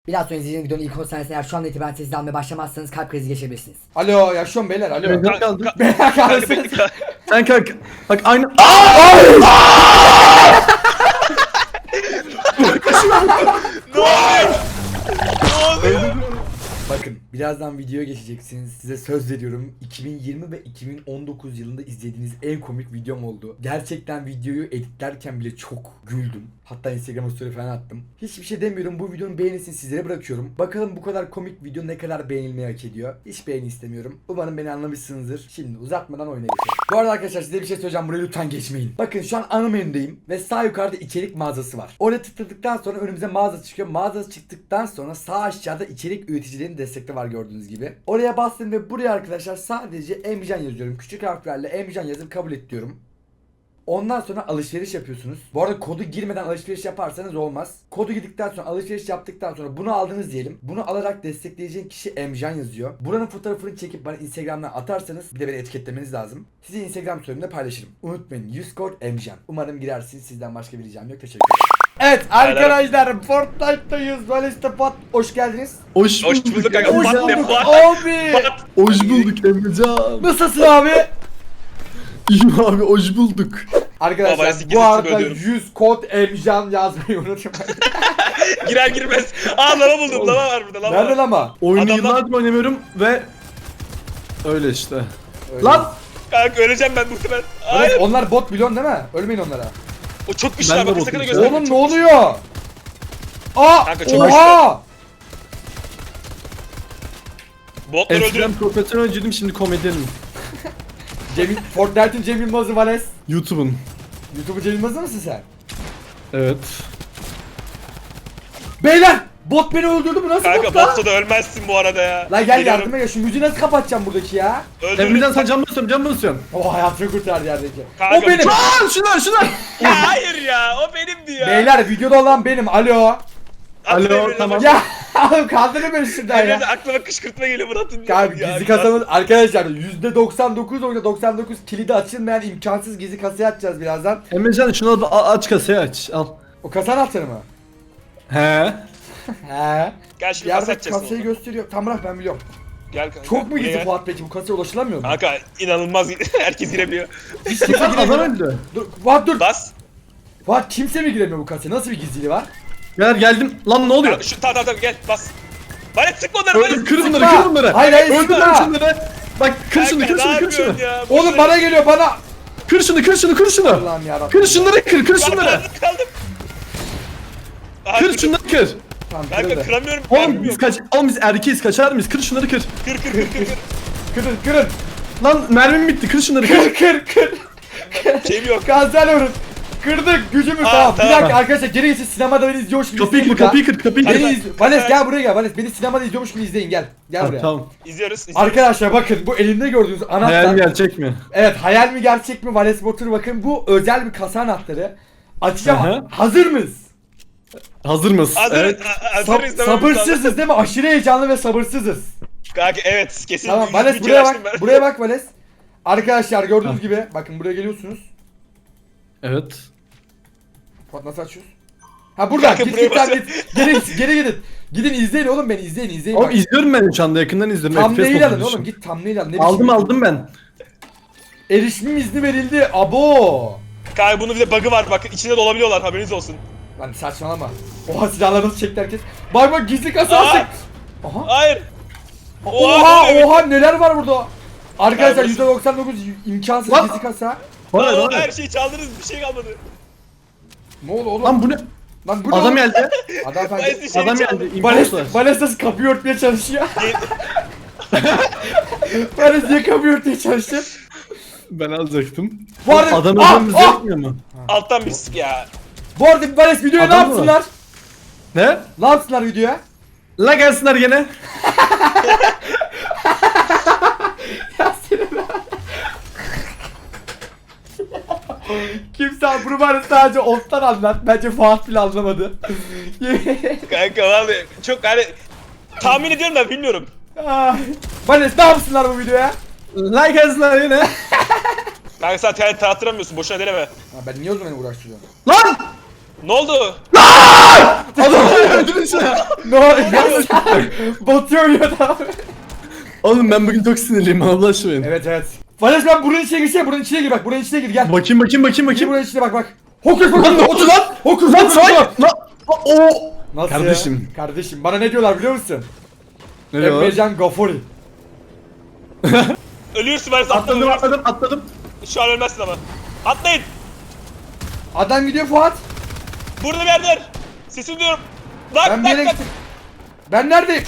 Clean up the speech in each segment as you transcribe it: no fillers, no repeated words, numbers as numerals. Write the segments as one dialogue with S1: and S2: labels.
S1: Biraz sonra izleyeceğiniz videonun ilk 10 saniyesinde eğer şu anda itibaren sessiz almaya başlamazsanız kalp krizi geçirebilirsiniz.
S2: Alo yaşıyorum beyler alo.
S3: Ne kaldı?
S2: Beyler kalsın.
S3: Sen kalk. Bak aynı.
S4: Ne oluyor? Ne oluyor?
S2: Bakın birazdan videoya geçeceksiniz. Size söz veriyorum. 2020 ve 2019 yılında izlediğiniz en komik videom oldu. Gerçekten videoyu editlerken bile çok güldüm. Hatta Instagram'a story falan attım. Hiçbir şey demiyorum. Bu videonun beğenisini sizlere bırakıyorum. Bakalım bu kadar komik video ne kadar beğenilmeyi hak ediyor. Hiç beğeni istemiyorum. Umarım beni anlamışsınızdır. Şimdi uzatmadan oyuna geçelim. Bu arada arkadaşlar size bir şey söyleyeceğim. Buraya lütfen geçmeyin. Bakın şu an ana menüdeyim ve sağ yukarıda içerik mağazası var. Oraya tıkladıktan sonra önümüze mağaza çıkıyor. Mağaza çıktıktan sonra sağ aşağıda içerik üreticilerinin destekli var gördüğünüz gibi. Oraya bastım ve buraya arkadaşlar sadece Emrecan yazıyorum. Küçük harflerle Emrecan yazıp kabul et diyorum. Ondan sonra alışveriş yapıyorsunuz. Bu arada kodu girmeden alışveriş yaparsanız olmaz. Kodu girdikten sonra alışveriş yaptıktan sonra bunu aldınız diyelim. Bunu alarak destekleyeceğin kişi Emcan yazıyor. Buranın fotoğrafını çekip bana Instagram'dan atarsanız bir de beni etiketlemeniz lazım. Sizi Instagram story'imde paylaşırım. Unutmayın 100 kod Emcan. Umarım girersiniz. Sizden başka bir ricam yok. Teşekkür ederim. Evet arkadaşlar Fortnite'dayız. Valiste Pat hoş geldiniz.
S3: Hoş
S4: Hoş bulduk kanka.
S2: Hoş
S4: Pat ne
S2: bulduk
S4: pat?
S2: abi.
S4: Pat.
S3: Hoş bulduk Emrecan.
S2: Nasılsın abi?
S3: İyiyim abi hoş bulduk.
S2: Arkadaşlar
S4: Baba,
S2: bu
S4: siktir
S2: arada
S4: ödüyorum.
S2: 100 kod Emcan yazmayı unutmayın.
S4: Girer girmez. Aa lava buldum. Lava var burada. Lava
S2: Nerede
S4: var.
S2: ama?
S3: Oyunu
S4: Adamlar-
S3: yıllardır oynamıyorum ve öyle işte.
S2: Öyle.
S3: Lan
S4: Kanka öleceğim ben muhtemelen.
S2: Evet,
S4: Hayır.
S2: onlar bot biliyorsun değil mi? Ölmeyin onlara.
S4: O çok güçlü
S3: Ben
S4: abi.
S3: de
S4: Bakın sakın
S3: bakayım.
S4: gösterme.
S2: Oğlum ne oluyor? Aa!
S4: Kanka, çok
S2: Oha!
S4: Botları
S3: eskiden
S4: öldürüyorum.
S3: profesyoneljiydim şimdi komedyenim.
S2: Fortnite'ın Cem Yılmaz'ı Vales.
S3: YouTube'un.
S2: YouTube'u Cem Yılmaz'ı mısın sen?
S3: Evet.
S2: Beyler! Bot beni öldürdü bu nasıl
S4: Kanka
S2: bot lan?
S4: botta da ölmezsin bu arada ya.
S2: Lan gel
S4: Geliyorum.
S2: yardıma gel şu müziği nasıl kapatacağım buradaki ya?
S4: Öldürdüm.
S3: Emrecan sen can basıyorsun can basıyorsun.
S2: O hayatını kurtardı yerdeki.
S4: Kanka,
S2: O benim!
S3: Lan şunlar.
S4: Ya hayır ya. O benimdi ya.
S2: Beyler videoda olan benim alo.
S4: Atın
S3: Alo,
S4: Emre'den
S3: tamam.
S4: bak.
S2: Ya oğlum kaldırın beni şuradan
S4: Emre'den
S2: ya.
S4: aklıma kışkırtma geliyor Murat'ın.
S2: Abi
S4: Ya,
S2: gizli kasamız arkadaşlar %99.99 kilidi açılmayan imkansız gizli kasayı açacağız birazdan.
S3: Emrecan şunu al, aç kasayı aç al.
S2: O kasa anahtarı mı?
S3: He.
S2: He.
S4: Gel şimdi kasa
S2: Yerde
S4: açacaksın.
S2: kasayı gösteriyor. Tam bırak ben biliyorum.
S4: Gel kanka.
S2: Çok mu
S4: buraya
S2: gizli
S4: gel.
S2: Fuat peki bu kasaya ulaşılamıyor mu?
S4: Kanka inanılmaz. Herkes girebiliyor.
S2: Hiç kimse
S3: Lan adam
S2: giremiyor.
S3: öldü.
S2: Dur Fuat dur.
S4: Bas.
S2: Fuat kimse mi giremiyor bu kasaya? Nasıl bir gizliliği var?
S3: Gel geldim. Lan ne oluyor?
S4: Şu tamam gel bas. Bana sıkma onları bana.
S3: Kır bunları
S2: Sıkma.
S3: kır bunları.
S2: Hayır, hayır,
S3: Öldür
S2: sıkma.
S3: lan şunları. Bak kır şunu kır şunu kır şunu.
S2: Oğlum bana geliyor bana.
S3: Kır şunu kır şunu kır şunu.
S2: Allah'ım yarabbim.
S3: Kır şunları kır şunları.
S4: Kaldım. Aha,
S3: Kır şunları kır.
S2: Tamam
S4: Kanka
S2: kırıldı.
S4: kıramıyorum.
S3: Oğlum biz erkeğiz kaçar mıyız? Kır şunları kır.
S4: Kır.
S2: Kırın kırın.
S3: Lan mermim bitti kır şunları kır.
S2: Kır.
S4: Şeyim yok.
S2: Gazel vurun. Kırdık gücümü tamam. Bir
S4: tamam.
S2: dakika arkadaşlar geri geçin sinemada beni izliyormuş gibi
S3: Kapıyı
S2: izleyin
S3: kır
S2: burada.
S3: kapıyı kır.
S2: Beni izle. Vales gel buraya gel Vales. Beni sinemada izliyormuş gibi izleyin gel. Gel buraya.
S3: Tamam.
S4: İzliyoruz.
S2: Arkadaşlar bakın bu elimde gördüğünüz
S3: Hayal
S2: anahtar.
S3: gerçek mi?
S2: Evet hayal mi gerçek mi Vales Batur bakın bu özel bir kasa anahtarı. Açacağım.
S3: Aha.
S2: Hazır mıyız?
S3: Hazır mısın?
S4: Hazırız.
S3: Evet.
S4: Hazırız. Tamam.
S2: Sabırsızız değil mi? Aşırı heyecanlı ve sabırsızız.
S4: Kanka evet kesin.
S2: Tamam
S4: yüz
S2: Vales
S4: bin
S2: buraya
S4: kere
S2: bak.
S4: açtım ben.
S2: Buraya bak Vales. Arkadaşlar gördüğünüz gibi bakın buraya geliyorsunuz.
S3: Evet.
S2: Bak nasıl açıyoruz? Ha buradan
S4: Kanka,
S2: git
S4: buraya
S2: git lan,
S4: basın.
S2: geri gidin. Gidin izleyin oğlum beni izleyin
S3: Oğlum
S2: bak.
S3: izliyorum ben şu anda yakından izliyorum.
S2: Thumbnail
S3: FPS
S2: alın
S3: modunda
S2: oğlum
S3: şu.
S2: git thumbnail alın. Ne
S3: Aldım
S2: biçim-
S3: aldım ben.
S2: Erişim izni verildi. Abo.
S4: Kanka bunun bir de bug'ı var bak içinde dolabiliyorlar haberiniz olsun.
S2: Lan saçmalama. Oha silahları nasıl çekti herkes. Bak gizli kasa
S4: Aa!
S2: açtık. Aha.
S4: Hayır.
S2: Oha neler var burada. Arkadaşlar
S4: Kardeşim.
S2: %99 imkansız
S3: Lan!
S2: gizli kasa.
S3: Hayır
S4: Lan
S3: hayır.
S2: şey
S4: her şeyi çaldınız bir şey kalmadı.
S2: Ne oldu oğlum?
S3: Lan bu ne?
S2: Lan bu ne
S3: Adam
S2: oğlum?
S3: geldi.
S2: Adam
S4: Vales
S2: efendi.
S4: bir şey
S3: Adam
S4: çaldı.
S3: geldi.
S2: Vales,
S3: İmposter.
S2: Vales nasıl kapıyı örtmeye çalışıyor? Vales niye kapıyı örtmeye çalışıyor?
S3: Ben alacaktım.
S2: Bu arada-
S3: Adam
S2: Ah,
S3: ödemiz
S2: ah!
S3: yapmıyor mu?
S4: Alttan bir sık ya.
S2: Bu arada Vales videoya ne
S3: Adam mı?
S2: yapsınlar?
S3: Ne?
S2: Ne yapsınlar videoya?
S3: La gelsinler gene.
S2: Ya seni Kimse bunu bana sadece Oft'tan anlat. Bence Fuat bile anlamadı.
S4: Kanka vallahi çok hani tahmin ediyorum da bilmiyorum.
S2: Ah. Vales ne yapsınlar bu videoya?
S3: La gelsinler yine.
S4: Kanka sen talent tattıramıyorsun boşuna deneme.
S2: Ha, ben niye o zaman uğraştırıyorum?
S3: Lan!
S4: Ne oldu?
S3: Adamı öldürdün ya.
S2: Ne oluyor? Batıyor ya da.
S3: Oğlum ben bugün çok sinirliyim Allah aşkına.
S2: Evet evet. Vales ben buranın içine girsene, buranın içine gir bak, buranın içine gir gel.
S3: Bakayım.
S2: Gir buranın içine bak. Hokus
S3: Lan ne oldu lan?
S2: Hokus
S3: Lan
S2: pokus.
S3: say. Lan. O.
S2: Nasıl
S3: Kardeşim.
S2: ya? Kardeşim bana ne diyorlar biliyor musun?
S3: Ne diyor?
S2: Emrecan Gafuri.
S4: Ölüyorsun Vales, atladım.
S3: Atladım.
S4: Şu an ölmezsin ama. Atlayın.
S2: Adam gidiyor Fuat.
S4: Burada bir yerdeler. Sesini duyuyorum. Nak
S2: Ben bir yere
S4: nak nak.
S2: gittim. Ben neredeyim?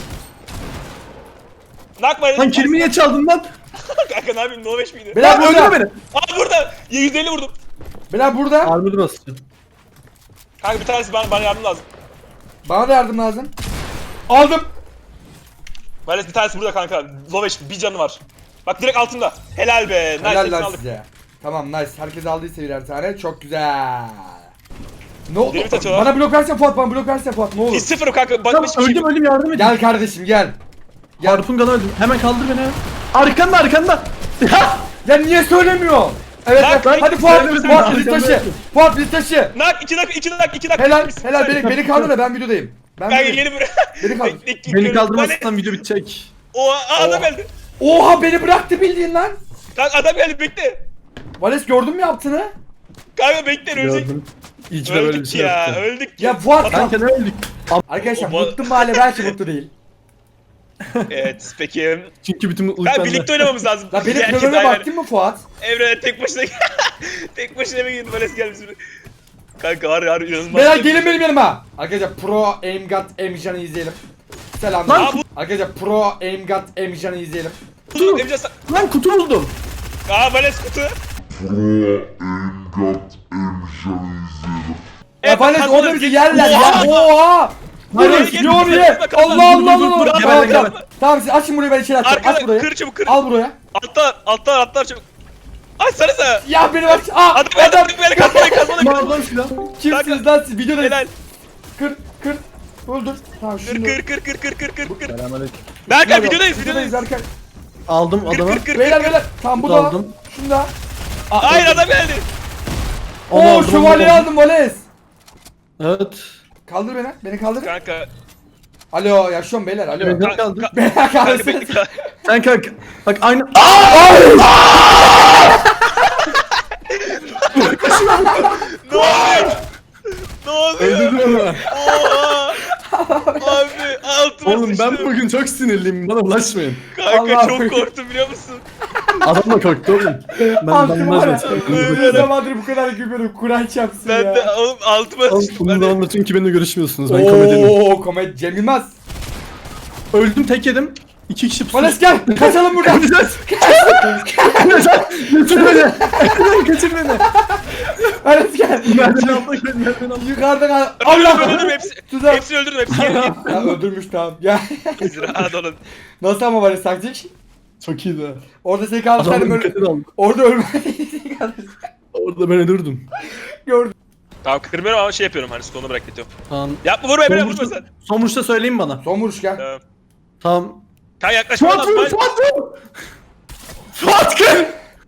S4: Nak var.
S3: Lan kilimi niye çaldın lan?
S4: Kanka ne yapayım? No 5 miydi?
S2: Beyler
S3: Lan öldürme
S2: burada.
S3: beni.
S4: Aa burada. 150 vurdum.
S2: Beyler burada.
S3: Armor'u basacağım.
S4: Kanka bir tanesi bana yardım lazım.
S2: Bana da yardım lazım. Aldım.
S4: Vales bir tanesi burada kanka. Low 5 bir canı var. Bak direkt altında. Helal be. Nice,
S2: Helal
S4: hepsini
S2: lan
S4: aldık.
S2: size. Tamam nice. Herkes aldıysa birer tane. Çok güzel. Ne oldu?
S4: Deli atıyorlar.
S2: Bana blok versene Fuat, bana blok versene Fuat. Ne olur.
S4: Hiç sıfırım kanka. Bak
S3: Lan
S4: hiçbir şey.
S3: öldüm yardım edin.
S2: Gel kardeşim gel.
S3: Harpun kanı öldüm. Hemen kaldır beni. Arkanda.
S2: Ya niye söylemiyor? Evet,
S4: Lan,
S2: evet.
S4: lan,
S2: Hadi Fuat,
S3: söylemedim.
S2: Fuat bizi
S3: Arkanda
S2: taşı.
S3: yaptım.
S2: Fuat bizi taşı.
S4: Nak 2 nak 2 nak 2 nak.
S2: Helal, helal beni kaldır da ben videodayım. Ben
S4: Kanka
S2: videodayım.
S4: yeni buraya.
S2: Beni kaldır.
S3: Beni kaldırmazsan video bitecek.
S4: Oha adam geldi.
S2: Oha beni bıraktı bildiğin lan.
S4: Kanka adam geldi bekle.
S2: Vales gördün mü yaptığını?
S4: Kanka bekle ölecek.
S3: Gördüm. İyi ki de böyle bir
S4: Öldük
S3: şey
S4: ya
S3: yaptı.
S4: öldük
S2: Ya Fuat
S3: Kanka ne öldük?
S2: arkadaşlar
S4: O-
S2: mutlu mahalle belki mutlu değil.
S4: Evet peki.
S3: Çünkü bütün mutluluk
S4: Kanka
S3: bende.
S4: birlikte oynamamız lazım.
S2: La benim
S4: Herkes
S2: planöme
S4: aynı.
S2: baktın mı Fuat?
S4: Emre tek başına tek başına mı girdi Vales gelmiş şimdi. Kanka harbi inanılmaz.
S2: Beyler gelin benim yanıma. Arkadaşlar Pro Aim God Emrecan'ı izleyelim. Selam.
S3: Lan
S2: Arkadaşlar Pro Aim God Emrecan'ı izleyelim.
S4: Kutu Emre sen.
S3: Lan kutu buldum.
S4: Aa Vales kutu.
S2: Ya Vales
S4: bak,
S2: orada bizi yerler
S4: Oha!
S2: ya. Oha!
S4: Buraya
S2: Dur
S4: gel,
S2: ne oluyor?
S4: buraya bak,
S2: Allah
S4: dur,
S2: Allah
S3: dur,
S2: Allah.
S3: dur,
S2: Tamam,
S3: geber,
S2: tamam.
S3: geber.
S2: Tamam siz açın burayı ben içeri atacağım. Aç
S4: Arkada
S2: burayı.
S4: kır çabuk kır.
S2: Al buraya.
S4: Altlar çabuk. Açsanıza.
S2: Ya beni aç. Aa
S4: Adam
S2: adam.
S4: beni kazmadı.
S3: Mağazadan silah.
S2: Kimsiniz lan siz? Videodayız.
S4: Helal.
S2: Kır. Öldür. Tamam şunu.
S4: Kır.
S3: Selamünaleyküm.
S4: Berkay videodayız.
S2: Arkadaşlar.
S3: Aldım adamı.
S4: Kır.
S2: Beyler. Tamam bu da.
S3: Aldım.
S2: Şunu da. Aa,
S4: Hayır adam geldi.
S3: Onu
S2: Oo
S3: aldım,
S2: şövalye
S3: onu
S2: aldım Vales.
S3: Evet.
S2: Kaldır beni. Beni kaldır.
S4: Kanka.
S2: Alo yaşıyorum beyler. Alo.
S3: Evet. Ne kaldı?
S2: Beyler
S4: Kanka
S2: kaldırsın.
S4: bekle.
S3: Sen kalk. Bak aynı.
S4: Ne oluyor? Ne oluyor?
S3: Öldürdün onu.
S4: Oha. Abi altıma
S3: Oğlum ben
S4: sıçtım.
S3: bugün çok sinirliyim. Bana bulaşmayın.
S4: Kanka
S2: Allah
S4: çok
S2: Allah.
S4: korktum biliyor musun?
S3: Adam da korktu oğlum. Ben
S2: Altın var ya.
S3: bulaşmayın.
S2: Ne zamandır bu kadar gülüyorum. Kur'an çarpsın
S4: Ben
S2: ya.
S4: de oğlum altıma
S3: Oğlum
S4: sıçtım.
S3: bunu da
S4: Hadi.
S3: anlatın ki benimle görüşmüyorsunuz. Ben komedyenim.
S2: Ooo komedi Cem Yılmaz.
S3: Öldüm tek yedim. 2 kişi pusu.
S2: Vales gel. Kaçalım buradan.
S3: Götür beni. Kaçır beni.
S2: Vales gel.
S3: Merdiven altına koy. Merdiven altına.
S2: Yukarıdan al.
S4: Öldürdüm
S2: Allah.
S4: hepsi.
S2: Tuzak.
S4: Hepsini öldürdüm hepsini. Geri git.
S2: Ya öldürmüş tamam. Ya.
S4: Rahat olun.
S2: Nasıl ama Vales taktik?
S3: Çok iyiydi.
S2: Orada seni kaldırsaydım
S3: Adamın
S2: öyle.
S3: dikkatini aldım.
S2: Orada ölmeyi kaldırsaydım.
S3: Orada ben öldürdüm.
S2: Gördüm.
S4: Tamam kırmıyorum ama şey yapıyorum hani stonu bırakıyorum.
S3: Tamam.
S4: Yapma vurma Emre
S3: Son
S4: vurma
S3: vuruşta,
S4: sen.
S3: son vuruşta söyleyin bana.
S2: Son vuruş gel.
S4: Tamam.
S3: Tamam.
S4: Kanka yaklaşma
S3: Fuat
S4: lan.
S3: vur! Fuat vur! Fuat kır!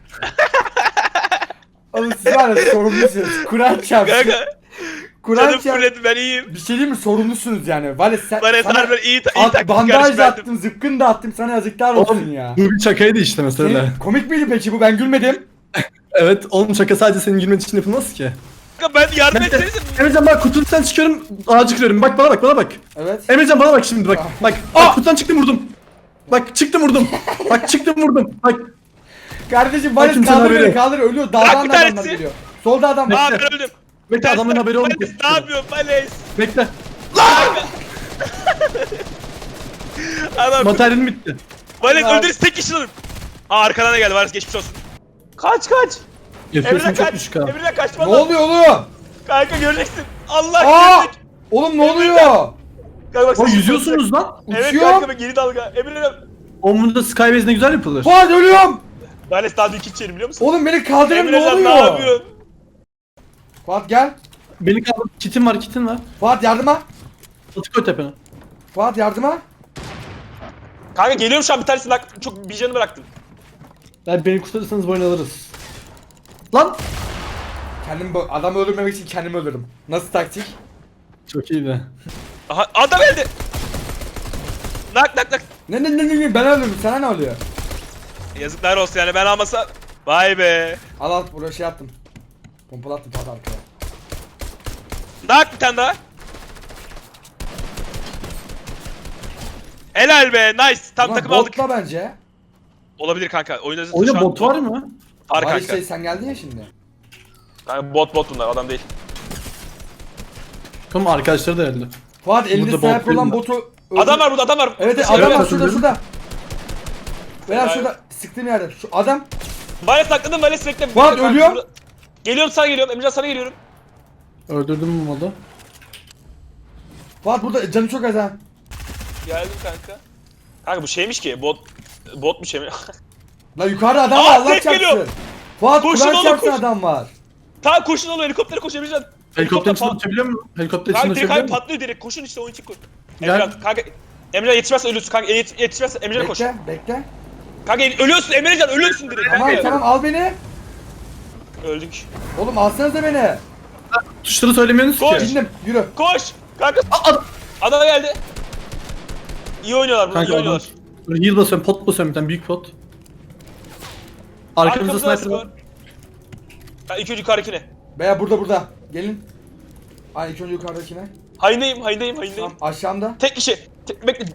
S2: Oğlum siz var ya sorumlusunuz. Kur'an çarpsın.
S4: Kanka.
S2: Kur'an
S4: Canım
S2: çarpsın.
S4: fırladı ben iyiyim.
S2: Bir şey diyeyim mi? Sorumlusunuz yani. Vales sen.
S4: Bana
S2: sana
S4: sarı iyi taktik
S2: bandaj
S4: kardeş
S2: da
S4: verdim.
S2: attım, zıpkın da attım. Sana yazıklar olsun
S3: Oğlum
S2: ya.
S3: bu bir şakaydı işte mesela.
S2: Senin, komik miydi peki bu? Ben gülmedim.
S3: Evet oğlum şaka sadece senin gülmen için yapılmaz ki.
S4: Kanka ben yardım
S3: Ben de,
S4: etseniz.
S3: Emrecan bak kutudan çıkıyorum ağacı kırıyorum. Bak bana bak.
S2: Evet.
S3: Emrecan bana bak şimdi bak. Bak kutudan çıktım vurdum. Bak çıktım vurdum. Bak çıktım vurdum. Bak
S2: Kardeşim Vales
S3: kimsenin
S2: kaldır beni
S3: haberi.
S2: kaldır ölüyor.
S4: Bırak
S2: Dağdan
S4: bir
S2: da adamlar
S4: tanesi.
S2: geliyor. Solda adam var.
S4: Aa ben öldüm.
S3: bekle adamın haberi olmuyor.
S4: Vales ne yapıyorsun Vales?
S3: Bekle.
S4: Adam
S3: Materyalim bitti.
S4: Vales
S2: Lan.
S4: öldürürüz tek kişi alırım. Aa arkadan da geldi Vales geçmiş olsun. Kaç.
S3: Yapıyorsun
S4: Emre
S3: çok
S4: kaç.
S3: düşük ha.
S4: Emre kaçma
S2: Ne
S4: lan.
S2: oluyor oğlum?
S4: Kanka göreceksin. Allah
S2: Aa!
S4: görecek.
S2: Oğlum ne oluyor?
S4: Kanka bak
S3: Oğlum
S4: sesi
S3: yüzüyorsunuz lan.
S4: Evet
S2: Uçuyor.
S4: kanka bak geri dalga. Emre
S3: Oğlum bunda Skybase ne güzel yapılır.
S2: Fuat ölüyorum.
S4: Vales daha dün içerim biliyor musun?
S2: Oğlum beni kaldırın
S4: Emre
S2: ne
S4: sen ne
S2: oluyor?
S4: yapıyorsun?
S2: Fuat gel.
S3: Beni kaldır. Kitim var.
S2: Fuat yardıma.
S3: Atı koy tepene.
S2: Fuat yardıma.
S4: Kanka geliyorum şu an bir tanesini bak çok bir canı bıraktım.
S3: Beni kurtarırsanız bu oyunu alırız. Lan!
S2: Adamı öldürmemek için kendimi öldürdüm. Nasıl taktik?
S3: Çok iyiydi.
S4: Aha adam geldi. Nak nak nak.
S2: Ne ben öldürdüm, sana ne oluyor?
S4: Yazıklar olsun yani ben almasa. Vay be.
S2: Al buraya şey attım. Pompalı attım pat arkaya.
S4: Nak bir tane daha. Helal be nice. Tam
S2: Ulan
S4: takım aldık.
S2: botla bence.
S4: Olabilir kanka. Oyunda şu
S3: Oyunda
S4: an
S3: bot var mı?
S4: Var
S2: Var
S4: kanka.
S2: işte, sen geldin ya şimdi.
S4: Kanka bot bunlar adam değil.
S3: Tamam arkadaşları da öldü.
S2: Fuat elinde
S3: Burada
S2: sniper
S3: bot
S2: olan
S3: değil
S2: botu öldür.
S4: Adam var burada adam var.
S2: Evet
S4: Şey,
S2: adam
S3: evet,
S2: var şurada
S3: öldürdüm.
S2: şurada. Veya
S4: Helal.
S2: şurada sıktığım yerde. Şu adam.
S4: Vales sakladım Vales bekle.
S2: Fuat,
S4: Bekle,
S2: ölüyor.
S4: burada- Geliyorum sana geliyorum. Emrecan sana geliyorum.
S3: Öldürdüm bu modu.
S2: Fuat burada canı çok az ha.
S4: Geldim kanka. Kanka bu şeymiş ki bot mu şey mi?
S2: La yukarıda adam
S4: Aa,
S2: var, Allah
S4: ses geliyor.
S2: çarpsın. Fuat
S4: Koşun
S2: Kur'an
S4: oğlum,
S2: çarpsın,
S4: koş.
S2: adam var.
S4: Tamam koşun oğlum helikoptere koş Emrecan.
S3: Helikopterin içinde
S4: pat-
S3: uçabiliyor musun? Helikopterin içinde
S4: Kanka direkt
S3: uçabiliyor
S4: abi
S3: musun?
S4: patlıyor direkt koşun işte onun için koş.
S3: Gel.
S4: Emrecan kanka. Emrecan yetişmezse ölürsün kanka yetişmezse Emrecan'a koş.
S2: Bekle.
S4: Kanka ölüyorsun Emrecan ölüyorsun direkt.
S2: Tamam
S4: kanka.
S2: tamam al beni.
S4: Öldük.
S2: Oğlum alsanıza beni.
S3: Tuşları söylemiyorsunuz
S4: Koş.
S3: ki.
S2: Bindim yürü.
S4: Koş. Kanka. Adam geldi. İyi oynuyorlar bunlar iyi
S3: Kanka adam.
S4: oynuyorlar.
S3: Böyle heal basıyorum, pot basıyorum bir tane büyük pot. Arkamızda
S4: Arkamızda
S3: sniper var.
S4: var. Ha ilk önce yukarıdakine.
S2: Veya burada. Gelin. Ay ilk önce yukarıdakine.
S4: Hayındayım.
S2: Tamam aşağımda.
S4: Tek kişi. Bekle.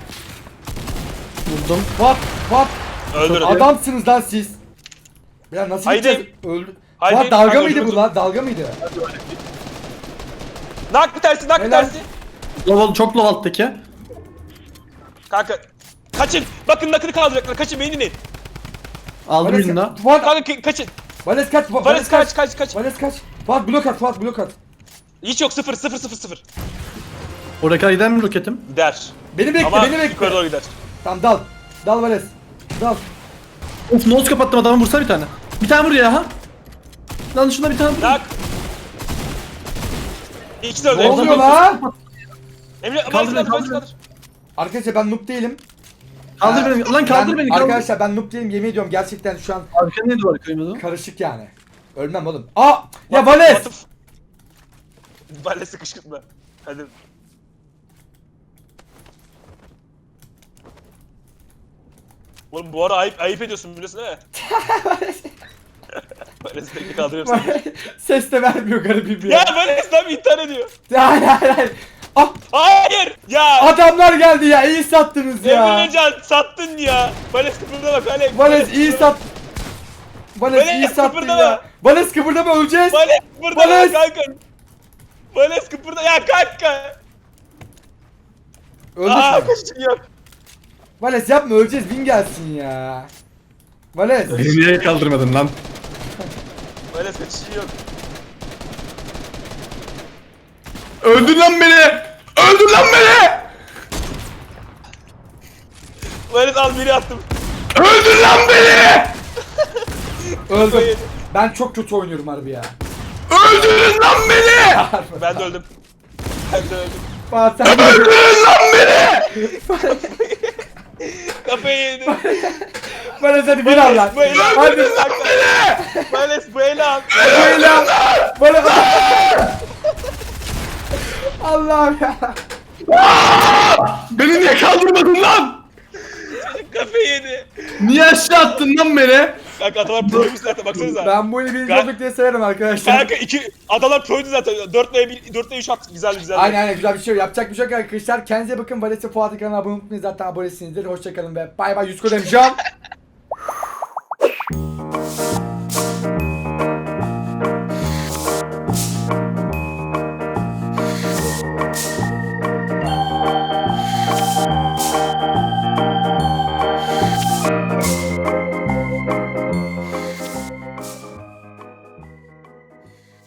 S3: Vurdum.
S2: Fuat.
S4: Öldürdüm.
S2: Adamsınız lan siz. Ya nasıl
S4: Haydi.
S2: gideceğiz? Öldü.
S4: Haydi.
S2: Fuat dalga
S4: Kanka,
S2: mıydı bu
S4: öldürdüm.
S2: lan? Dalga mıydı?
S4: Nak bir tersi nak bir
S2: Helal.
S4: tersi.
S3: Çok low alttaki.
S4: Kanka. Kaçın. Bakın nakını kaldıracaklar. Kaçın beni dinleyin.
S3: Aldım birini daha.
S2: Fuat.
S4: Kanka kaçın.
S2: Vales kaç.
S4: Vales kaç.
S2: Vales kaç. Fuat blok at.
S4: Hiç yok 0.
S3: Oraya kadar gider mi roketim?
S4: Gider.
S2: Beni bekle,
S4: Ama
S2: beni bekle.
S4: yukarı doğru gider.
S2: Tamam dal. Dal Vales. Dal.
S3: Of nose kapattım, adamı vursana bir tane. Bir tane vur ya ha. Lan şuna bir tane vur.
S4: Nak. İkisi de öldü.
S2: Ne oluyor lan?
S4: Emre
S3: Kaldır beni, kaldır beni.
S2: Arkadaşlar ben noob değilim.
S3: Kaldır beni. Lan kaldır beni. Kaldır.
S2: Arkadaşlar ben noob değilim, yemin ediyorum gerçekten şu an
S3: Arkaya neydi var kıymadı?
S2: karışık yani. Ölmem oğlum. Aa! Ya Vales!
S4: Vales'i kışkırtma. Hadi. Oğlum bu ara ayıp ediyorsun biliyorsun değil mi? Vales'i bekle kaldırıyorum seni.
S2: Ses de vermiyor garibim
S4: Ya
S2: ya.
S4: Vales tam intihar ediyor.
S2: Hayır. Ah!
S4: Hayır! Ya!
S2: Adamlar geldi ya, iyi sattınız ya.
S4: Emrecan sattın ya. Vales kıpırda bak Vales.
S2: Vales iyi sat. Vales iyi
S4: Vales,
S2: sattın
S4: kıpırdama.
S2: ya. Vales kıpırdama, öleceğiz.
S4: Vales kıpırda
S2: Vales!
S4: kanka. Vales kıpırda ya kanka.
S2: Öldük
S4: Aa
S2: mü?
S4: kaçışın yok.
S2: Vales yapma, öleceğiz, bin gelsin ya. Vales.
S3: Beni niye kaldırmadın lan?
S4: Vales kaçışın yok.
S3: Öldür lan beni! Öldür lan beni!
S4: Vales al biri attım.
S3: Öldür lan beni!
S2: Öldüm. Ben çok kötü oynuyorum harbi ya.
S3: Öldürün lan beni!
S4: Ben de öldüm. Ben de öldüm.
S2: Fuat sen
S3: Öldürün lan beni!
S4: Kafayı yedi.
S2: Vales hadi bir al lan.
S4: Bu eli al.
S2: Hadi.
S4: Vales bu eli al.
S2: Böyle al. Vales. Allah'ım ya.
S3: Beni niye kaldırmadın lan?
S4: Kafayı yedi.
S3: Niye aşağı attın lan beni?
S4: Kanka adalar proymuş zaten baksanıza.
S2: Ben bu eli birinci
S4: Ben-
S2: olduk diye sayarım arkadaşlar.
S4: Kanka adalar proydu zaten. 4'le 3 at. Güzel.
S2: Aynen güzel bir şey yok. Yapacak bir şey yok arkadaşlar. Kendinize bakın. Vales'e Fuat'ın kanalına abone olmayı zaten abonesinizdir. Hoşçakalın ve bay bay. 100 kodem şu an.